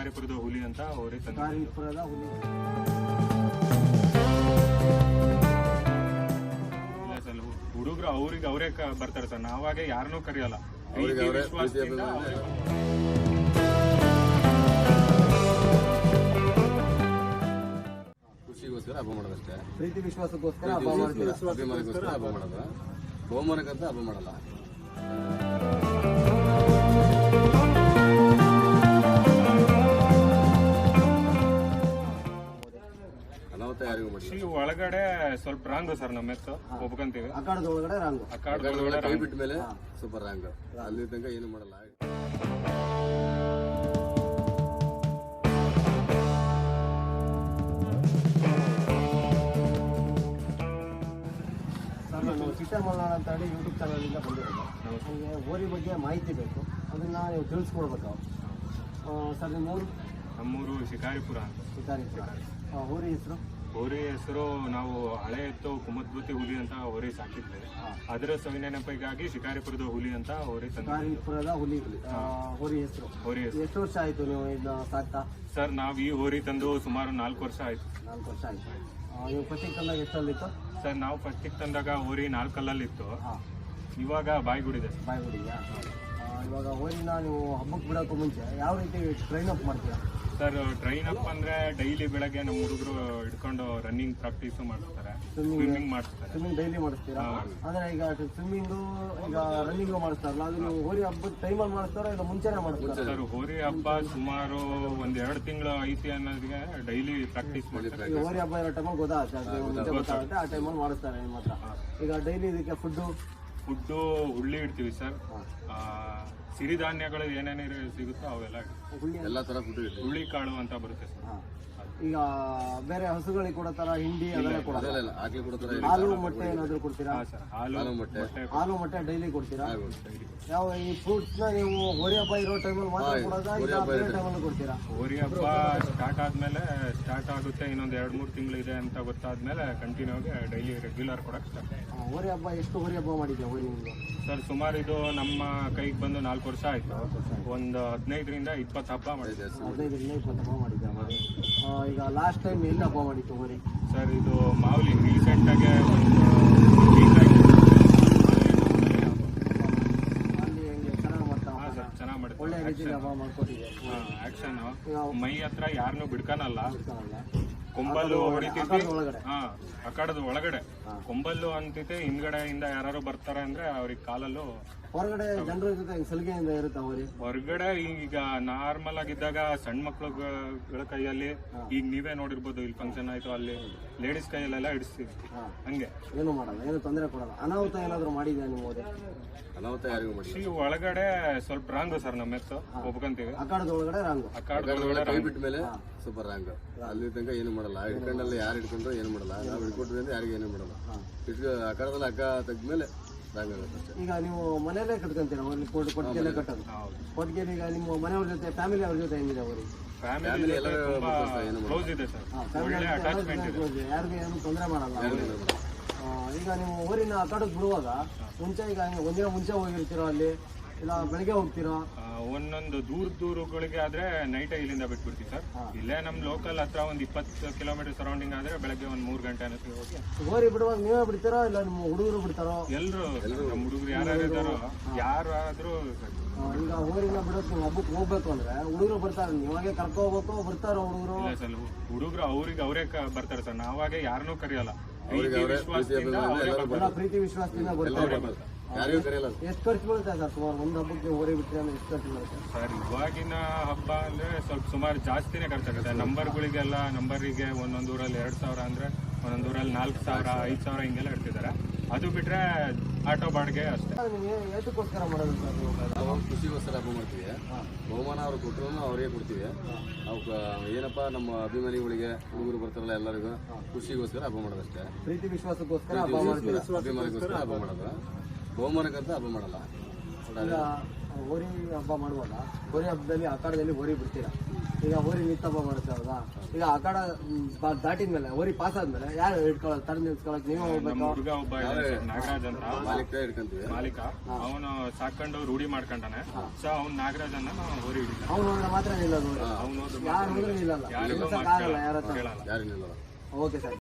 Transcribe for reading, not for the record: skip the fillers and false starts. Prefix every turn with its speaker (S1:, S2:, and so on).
S1: ಶಿಕಾರಿಪುರದ ಹುಲಿ ಅಂತ ಹೋರಿ
S2: ಶಿಕಾರಿಪುರದ ಹುಲಿ.
S1: ಇಲ್ಲ ಸರ್, ಹುಡುಗರು ಅವ್ರಿಗೆ ಅವರೇ ಬರ್ತಾರೆ ಸರ್, ನಾವಾಗೆ ಯಾರನ್ನೂ ಕರೆಯಲ್ಲ. ವಿಶ್ವಾಸದಿಂದ
S3: ಖುಷಿಗೋಸ್ಕರ ಹಬ್ಬ ಮಾಡೋದಷ್ಟೇ.
S2: ಪ್ರೀತಿ ವಿಶ್ವಾಸಕ್ಕೋಸ್ಕರ ಹಬ್ಬ ಮಾಡ್ತೀವಿ.
S3: ಅಭಿಮಾನಕ್ಕೋಸ್ಕರ ಹಬ್ಬ ಮಾಡೋದು. ಬಹುಮಾನಕ್ಕಂತ ಹಬ್ಬ ಮಾಡಲ್ಲ. ಅನಾಹುತ ಯಾರಿಗೂ ಮಾಡಿ
S1: ಒಳಗಡೆ ಸ್ವಲ್ಪ ರಾಂಗು ಸರ್, ನಮ್ಮ ಎತ್ತು ಒಪ್ಕೊಂತೀವಿ.
S2: ಅಖಾಡದ ಒಳಗಡೆ ರಾಂಗು.
S1: ಅಖಾಡದೊಳಗಡೆ
S3: ಕೈ ಬಿಟ್ಟ ಮೇಲೆ ಸೂಪರ್ ರಾಂಗ್. ಅಲ್ಲಿ ತನಕ ಏನು ಮಾಡಲ್ಲ.
S2: ನಾನು ಸಿಸ್ಟರ್ ಮಲ್ನಾಡ್ ಅಂತ ಹೇಳಿ ಯೂಟ್ಯೂಬ್ ಚಾನಲಿಂದ ಬಂದಿರೋದು. ನಮಗೆ ಹೋರಿ ಬಗ್ಗೆ ಮಾಹಿತಿ ಬೇಕು, ಅದನ್ನು ನೀವು ತಿಳಿಸ್ಕೊಡ್ಬೇಕು ಸರ್.
S1: ನಮ್ಮೂರು ಶಿಕಾರಿಪುರ ಅಂತ.
S2: ಶಿಕಾರಿಪುರ. ಹೋರಿ ಹೆಸರು?
S1: ಹೋರಿ ಹೆಸರು ನಾವು ಹಳೆ ಎತ್ತು ಕುಮದ್ಬುತಿ ಹುಲಿ ಅಂತ ಹೋರಿ ಸಾಕಿದ್ವಿ. ಅದರ ಸವಿನೆನಪಿಗಾಗಿ ಶಿಕಾರಿಪುರದ ಹುಲಿ ಅಂತ ಹೋರಿ
S2: ಶಿಕಾರಿಪುರದ ಹುಲಿ. ಹೋರಿ ಹೆಸರು?
S1: ಹೋರಿ ಹೆಸರು.
S2: ಎಷ್ಟು ವರ್ಷ ಆಯಿತು ನೀವು ಇದನ್ನ ಸಾಕ್ತಾ?
S1: ಸರ್, ನಾವು ಈ ಹೋರಿ ತಂದು ಸುಮಾರು 4 ವರ್ಷ ಆಯ್ತು.
S2: 4 ವರ್ಷ ಆಯಿತು. ನೀವು ಫಸ್ಟಿಗೆ ತಂದಾಗ ಎಷ್ಟಲ್ಲಿತ್ತು
S1: ಸರ್? ನಾವು ಫಸ್ಟಿಗೆ ತಂದಾಗ ಹೋರಿ 4 ಕಲ್ಲಲ್ಲಿತ್ತು. ಇವಾಗ ಬಾಯ್ಗುಡಿದೆ.
S2: ಬಾಯ್ಗುಡಿಯಾ? ಇವಾಗ ಹೋರಿನ ನೀವು ಹಬ್ಬಕ್ಕೆ ಬಿಡೋಕ್ಕೂ ಮುಂಚೆ ಯಾವ ರೀತಿ ಟ್ರೈನ್ ಅಪ್ ಮಾಡ್ತೀರಾ
S1: ಸರ್? ಟ್ರೈನ್ ಅಪ್ ಅಂದ್ರೆ ಡೈಲಿ ಬೆಳಗ್ಗೆ ನಮ್ಮ ಹುಡುಗರು ಹಿಡ್ಕೊಂಡು ರನ್ನಿಂಗ್ ಪ್ರಾಕ್ಟೀಸ್ ಮಾಡಿಸ್ತಾರೆ, ಸ್ವಿಮ್ಮಿಂಗ್ ಮಾಡಿಸ್ತಾರೆ.
S2: ಸ್ವಿಮ್ಮಿಂಗ್ ಡೈಲಿ ಮಾಡಿಸ್ತೀರಾ? ಅಂದ್ರೆ ಈಗ ಸ್ವಿಮ್ಮಿಂಗು ಈಗ ರನ್ನಿಂಗು ಮಾಡಿಸ್ತಾರಲ್ಲ, ಅದು ನೀವು ಹೋರಿ ಹಬ್ಬದ ಟೈಮಲ್ಲಿ ಮಾಡಿಸ್ತಾರ ಇಲ್ಲ ಮುಂಚೆನೇ ಮಾಡಿಸ್ತಾರೆ?
S1: ಸರ್, ಹೋರಿ ಹಬ್ಬ ಸುಮಾರು 1-2 ತಿಂಗಳು ಐತಿ ಅನ್ನೋದಕ್ಕೆ ಡೈಲಿ ಪ್ರಾಕ್ಟೀಸ್ ಮಾಡ್ತಾರೆ.
S2: ಈಗ ಹೋರಿ ಹಬ್ಬ ಇರೋ ಟೈಮಲ್ಲಿ ಗೊತ್ತಾಗುತ್ತೆ, ಆ ಟೈಮಲ್ಲಿ ಮಾಡಿಸ್ತಾರೆ ನಿಮ್ಮ ಹತ್ರ. ಈಗ ಡೈಲಿ ಇದಕ್ಕೆ ಫುಡ್ಡು
S1: ಹುಳ್ಳಿ ಇಡ್ತೀವಿ ಸರ್. ಸಿರಿಧಾನ್ಯಗಳು ಏನೇನು ಸಿಗುತ್ತೋ ಅವೆಲ್ಲ
S3: ಎಲ್ಲ ತರ ಫುಡ್.
S1: ಹುಳ್ಳಿ ಕಾಳು ಅಂತ ಬರುತ್ತೆ ಸರ್.
S2: ಈಗ ಬೇರೆ ಹಸುಗಳಿಗೆ ಕೊಡೋ ತರ ಹಿಂಡಿ ಅದೆಲ್ಲ ಕೊಡೋಲ್ಲ?
S3: ಆಗ್ಲಿ ಕೊಡ್ತಾರೆ.
S2: ಹಾಲು ಮೊಟ್ಟೆ ಏನಾದ್ರು ಕೊಡ್ತೀರಾ?
S3: ಹಾಲು
S2: ಮೊಟ್ಟೆ ಡೈಲಿ ಕೊಡ್ತೀರಾ? ಯಾವ ಈ ಫ್ರೂಟ್ಸ್ ನ ನೀವು ಹೋರಿ ಹಬ್ಬ ಇರೋ ಟೈಮಲ್ಲಿ ಮಾತ್ರ ಕೊಡೋದಾ ಇಲ್ಲ ಬೇರೆ ಟೈಮಲ್ಲಿ ಕೊಡ್ತೀರಾ?
S1: ಹೋರಿ ಹಬ್ಬ ಸ್ಟಾರ್ಟ್ ಆಗುತ್ತೆ, ಇನ್ನೊಂದು 2-3 ತಿಂಗಳು ಇದೆ ಅಂತ ಗೊತ್ತಾದ್ಮೇಲೆ ಕಂಟಿನ್ಯೂ ಆಗಿ ಡೈಲಿ ರೆಗ್ಯುಲರ್ ಕೊಡಕ್ಕೆ ಸ್ಟಾರ್ಟ್.
S2: ಹೋರಿ ಹಬ್ಬ ಎಷ್ಟು ಹೋರಿ ಹಬ್ಬ ಮಾಡಿದ್ಯಾ ಹೋರಿ ನಿಮ್ದು?
S1: ಸರ್, ಸುಮಾರು ಇದು ನಮ್ಮ ಕೈಗೆ ಬಂದು 4 ವರ್ಷ ಆಯ್ತು. ಒಂದು 15ರಿಂದ 20 ಹಬ್ಬ ಮಾಡಿದ್ದೆ.
S2: 15ರಿಂದ 20 ಹಬ್ಬ ಮಾಡಿದ್ದೆ. ಈಗ ಲಾಸ್ಟ್ ಟೈಮ್ ಎಲ್ಲಿ ಹಬ್ಬ ಮಾಡಿತ್ತು ಹೋರಿ?
S1: ಸರ್, ಇದು ಮಾವಲಿ ರೀಸೆಂಟಾಗಿ ಅಲ್ಲಿ
S2: ಹೆಂಗೆ ಚೆನ್ನಾಗಿ ಮಾಡ್ತಾ?
S1: ಚೆನ್ನಾಗಿ ಮಾಡುತ್ತೆ.
S2: ಒಳ್ಳೆ ರೀತಿಯಲ್ಲಿ ಹಬ್ಬ ಮಾಡ್ಕೊಟ್ಟಿದೆ.
S1: ಆಕ್ಷನ್ ಮೈ ಹತ್ರ ಯಾರನ್ನೂ ಬಿಡ್ಕನಲ್ಲ. ಕೊಂಬಲ್ಲು ಹೊಡಿತೈತಿ. ಅಖಾಡದ ಒಳಗಡೆ ಕೊಂಬಲ್ಲು ಅಂತೈತೆ. ಹಿಂದ್ಗಡೆಯಿಂದ ಯಾರು ಬರ್ತಾರೆ ಅಂದ್ರೆ ಅವ್ರಿಗೆ ಕಾಲಲ್ಲೂ.
S2: ಹೊರಗಡೆ ಜನರ ಜೊತೆ ಸಲಿಗೆಯಿಂದ ಇರುತ್ತೆ ಹೋರಿ? ಹೊರಗಡೆ
S1: ಈಗ ನಾರ್ಮಲ್ ಆಗಿದ್ದಾಗ ಸಣ್ಣ ಮಕ್ಳುಗಳ ಕೈಯಲ್ಲಿ, ಈಗ ನೀವೇ ನೋಡಿರ್ಬೋದು, ಇಲ್ಲಿ ಫಂಕ್ಷನ್ ಆಯ್ತು ಅಲ್ಲಿ ಲೇಡೀಸ್ ಕೈಯಲ್ಲೆಲ್ಲ ಹಿಡಿಸ್ತೀವಿ. ಹಂಗೆ
S2: ಏನು ಮಾಡಲ್ಲ, ಏನು ತೊಂದರೆ ಕೊಡಲ್ಲ. ಅನಾಹುತ ಏನಾದ್ರು ಮಾಡಿದ್ಯಾ ನೀವು ಹೋರಿ?
S3: ಅನಾಹುತ ಯಾರಿಗೂ ಮಾಡಿ
S1: ಒಳಗಡೆ ಸ್ವಲ್ಪ ರಾಂಗು ಸರ್, ನಮ್ಮ ಎತ್ತು ಒಪ್ಕೊಂತೀವಿ.
S2: ಅಖಾಡದ ಒಳಗಡೆ ರಾಂಗು.
S1: ಅಖಾಡದೊಳಗಡೆ
S3: ಕೈ ಬಿಟ್ಟ ಮೇಲೆ ಸೂಪರ್ ರಾಂಗ್. ಅಲ್ಲಿ ತನಕ ಏನು ಮಾಡಲ್ಲ. ಹಿಡ್ಕೊಂಡಲ್ಲಿ ಯಾರು ಹಿಡ್ಕೊಂಡ್ರು ಏನು ಮಾಡಲ್ಲ. ನಾವು ಹಿಡ್ಕೊಟ್ವಿ ಅಂದ್ರೆ ಯಾರಿಗೂ ಏನು ಮಾಡಲ್ಲ. ಅಖಾಡದಲ್ಲಿ ಹಗ್ಗ ತೆಗ್ದ್ಮೇಲೆ ರಾಂಗ್ ಆಗುತ್ತೆ.
S2: ಈಗ ನೀವು ಮನೆಯಲ್ಲೇ ಕಟ್ಕೊಂತೀರಾ ಹೋರಿ? ಕೊಟ್ಟಿಗೆಲ್ಲೇ ಕಟ್ಟೋದು? ಕೊಟ್ಟಿಗೆ. ಈಗ ನಿಮ್ಮ ಮನೆಯವ್ರ ಜೊತೆ ಫ್ಯಾಮಿಲಿ ಅವ್ರ ಜೊತೆ ಹೆಂಗಿದೆ ಹೋರಿ?
S1: ಫ್ಯಾಮಿಲಿ ಕ್ಲೋಸ್ ಇದೆ ಸರ್.
S2: ಯಾರಿಗೂ ಏನು ತೊಂದರೆ ಮಾಡಲ್ಲ. ಈಗ ನೀವು ಹೋರಿನ ಅಖಾಡಕ್ಕೆ ಬಿಡುವಾಗ ಮುಂಚೆ ಈಗ ಒಂದಿನ ಮುಂಚೆ ಹೋಗಿರ್ತೀರೋ ಅಲ್ಲಿ, ಇಲ್ಲ ಬೆಳಗ್ಗೆ ಹೋಗ್ತೀರಾ?
S1: ಒಂದೊಂದು ದೂರಗಳಿಗೆ ಆದ್ರೆ ನೈಟ್ ಇಲ್ಲಿಂದ ಬಿಟ್ಬಿಡ್ತೀವಿ ಸರ್. ಇಲ್ಲೇ ನಮ್ ಲೋಕಲ್ ಹತ್ರ ಒಂದು 20 ಕಿಲೋಮೀಟರ್ ಸರೌಂಡಿಂಗ್ ಆದ್ರೆ ಬೆಳಗ್ಗೆ ಒಂದು 3 ಗಂಟೆ ಅನ್ನೋದು ಹೋಗಿ.
S2: ಹೋರಿ ಬಿಡುವಾಗ ನೀವೇ ಬಿಡ್ತೀರಾ ಇಲ್ಲ ನಿಮ್ಮ ಹುಡುಗರು ಬಿಡ್ತಾರೋ?
S1: ಎಲ್ರು ನಮ್ಮ ಹುಡುಗರು ಯಾರು ಇದ್ದಾರೋ ಯಾರಾದ್ರೂ.
S2: ಈಗ ಹೋರಿನ ಬಿಡೋಕೆ ನೀವು ಹಬ್ಬಕ್ಕೆ ಹೋಗ್ಬೇಕು ಅಂದ್ರೆ ಹುಡುಗರು ಬರ್ತಾರೆ, ನೀವಾಗೆ ಕರ್ಕೊ ಹೋಗ್ಬೇಕು? ಬರ್ತಾರೋ ಹುಡುಗರು?
S1: ಇಲ್ಲ ಸರ್, ಹುಡುಗರು ಅವ್ರಿಗೆ ಅವರೇ ಬರ್ತಾರೆ ಸರ್, ನಾವಾಗೆ ಯಾರನ್ನೂ ಕರೆಯಲ್ಲ.
S2: ಪ್ರೀತಿ ವಿಶ್ವಾಸದಿಂದ ಬರ್ತಾರೆ. ಎಷ್ಟು ಖರ್ಚು ಬೀಳುತ್ತೆ ಸರ್ ಸುಮಾರು ಒಂದು ಹಬ್ಬಕ್ಕೆ ಹೋರಿ ಬಿಟ್ಟರೆ ಅಂದ್ರೆ ಎಷ್ಟು ಖರ್ಚು ಬೀಳುತ್ತೆ
S1: ಸರ್? ಇವಾಗಿನ ಹಬ್ಬ ಅಂದ್ರೆ ಸ್ವಲ್ಪ ಸುಮಾರು ಜಾಸ್ತಿನೇ ಖರ್ಚಾಗುತ್ತೆ. ನಂಬರ್ಗಳಿಗೆಲ್ಲ ನಂಬರಿಗೆ ಒಂದೊಂದು ಊರಲ್ಲಿ 2,000 ಅಂದ್ರೆ ಒಂದೊಂದು ಊರಲ್ಲಿ 4,000 5,000 ಹಿಂಗೆಲ್ಲ ಇಡ್ತಿದ್ದಾರೆ. ಅದು ಬಿಟ್ರೆ ಆಟೋ ಬಾಡಿಗೆ ಅಷ್ಟೇ.
S2: ಏತಕ್ಕೋಸ್ಕರ ಮಾಡೋದು ಸರ್?
S3: ನಾವು ಖುಷಿಗೋಸ್ಕರ ಹಬ್ಬ ಮಾಡ್ತೀವಿ. ಬಹುಮಾನ ಅವ್ರು ಕೊಟ್ಟರು ಅವ್ರಿಗೆ ಕೊಡ್ತೀವಿ. ಅವ್ಕೆ ಏನಪ್ಪ ನಮ್ಮ ಅಭಿಮಾನಿಗಳಿಗೆ ಹುಡುಗರು ಬರ್ತಾರಲ್ಲ ಎಲ್ಲರಿಗೂ ಖುಷಿಗೋಸ್ಕರ ಹಬ್ಬ ಮಾಡೋದಷ್ಟೇ.
S2: ಪ್ರೀತಿ ವಿಶ್ವಾಸಕ್ಕೋಸ್ಕರ ಹಬ್ಬ ಮಾಡ್ತೀವಿ.
S3: ಅಭಿಮಾನಿಗೋಸ್ಕರ ಹಬ್ಬ ಮಾಡೋದು. ಬಹುಮಾನಕ್ಕಂತ ಹಬ್ಬ ಮಾಡಲ್ಲ.
S2: ಈಗ ಹೋರಿ ಹಬ್ಬ ಮಾಡುವಾಗ ಹೋರಿ ಹಬ್ಬದಲ್ಲಿ ಅಖಾಡದಲ್ಲಿ ಹೋರಿ ಬಿಡ್ತೀರಾ? ಈಗ ಓರಿ ನಿತ್ತಪ್ಪ ಬರುತ್ತೆ ಹೌದಾ? ಈಗ ಆ ಕಡೆ ದಾಟಿದ್ಮೇಲೆ ಓರಿ ಪಾಸ್ ಆದ್ಮೇಲೆ ಯಾರು ಇಟ್ಕೊಳ್ಳೋದು ತಡ ನಿಲ್ಸ್ಕೊಳಕ್ ನೀವೇ ಹೋಗ್ಬೇಕು?
S1: ನಮ್ಮ ಹುಡುಗ ಒಬ್ಬ ಇದಾನೆ ಸರ್, ನಾಗರಾಜ್ ಅಂತ
S3: ಮಾಲೀಕ ಹಿಡ್ಕೊಂತೀವಿ.
S1: ಮಾಲೀಕ, ಅವನು ಸಾಕೊಂಡು ರೂಢಿ ಮಾಡ್ಕೊಂಡಾನೆ. ಸೊ ಅವ್ನು ನಾಗರಾಜ್ ಅನ್ನ ನಾವು ಓರಿ ಹಿಡಿತಾನೆ.
S2: ಅವ್ನು ಹೋದ್ರೆ ಮಾತ್ರ ನಿಲ್ಲೋದು,
S1: ಅವ್ನು ಹೋದ್ರೆ
S2: ಯಾರು ಹೋದ್ರೆ ನಿಲ್ಲಲ್ಲ,
S1: ಯಾರಿಗೂ
S2: ನಿಲ್ಸಕ್ ಆಗಲ್ಲ ಯಾರ ಹತ್ರ.
S1: ಕೇಳಲ್ಲ.
S3: ಯಾರು ನಿಲ್ಲಲ್ಲ.
S2: Okay sir.